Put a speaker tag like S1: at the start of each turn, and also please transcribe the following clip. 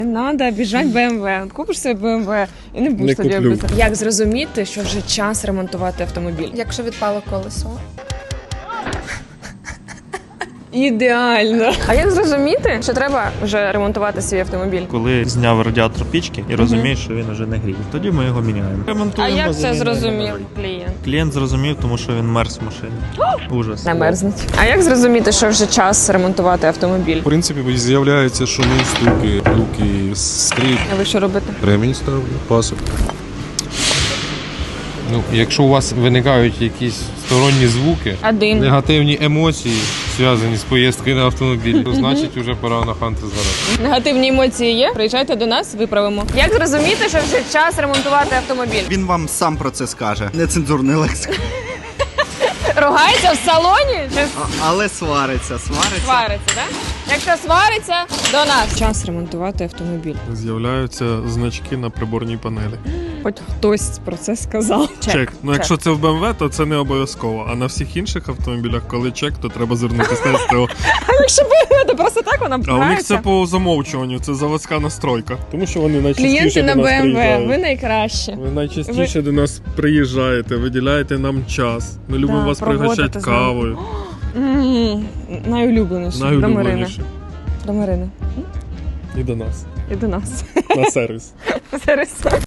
S1: Надо біжать BMW. От купиш собі BMW і не будеш тоді обов'язково. Як зрозуміти, що вже час ремонтувати автомобіль?
S2: Якщо відпало колесо.
S1: Ідеально. А як зрозуміти, що треба вже ремонтувати свій автомобіль?
S3: Коли зняв радіатор пічки і розумієш, що він вже не гріє. Тоді ми його міняємо.
S1: А
S3: Ремонтуємо,
S1: як це
S3: заміняємо
S1: зрозумів
S3: новий.
S1: клієнт?
S3: Клієнт зрозумів, тому що він мерз в машині. Ужас.
S1: Не мерзнуть. А як зрозуміти, що вже час ремонтувати автомобіль?
S4: В принципі, з'являються шуми, стуки, люки, скрип.
S1: А ви що робите?
S4: Ремінь ставлю, пасок.
S5: Ну, якщо у вас виникають якісь сторонні звуки,
S1: Один.
S5: негативні емоції, зв'язані з поїздкою на автомобіль, то значить вже пора на ханти згадати.
S1: Негативні емоції є? Приїжджайте до нас, виправимо. Як зрозуміти, що вже час ремонтувати автомобіль?
S6: Він вам сам про це скаже. Нецензурний лексик.
S1: Ругається в салоні чи
S6: Але свариться.
S1: свариться, так? Якщо свариться, до нас. Час ремонтувати автомобіль.
S7: З'являються значки на приборній панелі.
S1: Хоч хтось про це сказав.
S7: Чек. Ну, якщо це в BMW, то це не обов'язково. А на всіх інших автомобілях, коли чек, то треба звернутися на СТО.
S1: А якщо BMW, то просто так вона
S7: А у них
S1: пугається.
S7: це по замовчуванню, це заводська настройка. Тому що вони
S1: Клієнти
S7: найчастіше
S1: на
S7: до нас
S1: BMW,
S7: приїжджають.
S1: ви найкращі.
S7: Ви найчастіше до нас приїжджаєте, виділяєте нам час. Ми любимо
S1: Да,
S7: вас
S1: проводите
S7: пригощати
S1: з нами.
S7: кавою.
S1: Найулюбленіше. До Марини.
S7: Найулюбленіше.
S1: До Марини.
S7: І до нас.
S1: І до нас.
S7: На сервіс.
S1: Сервіс.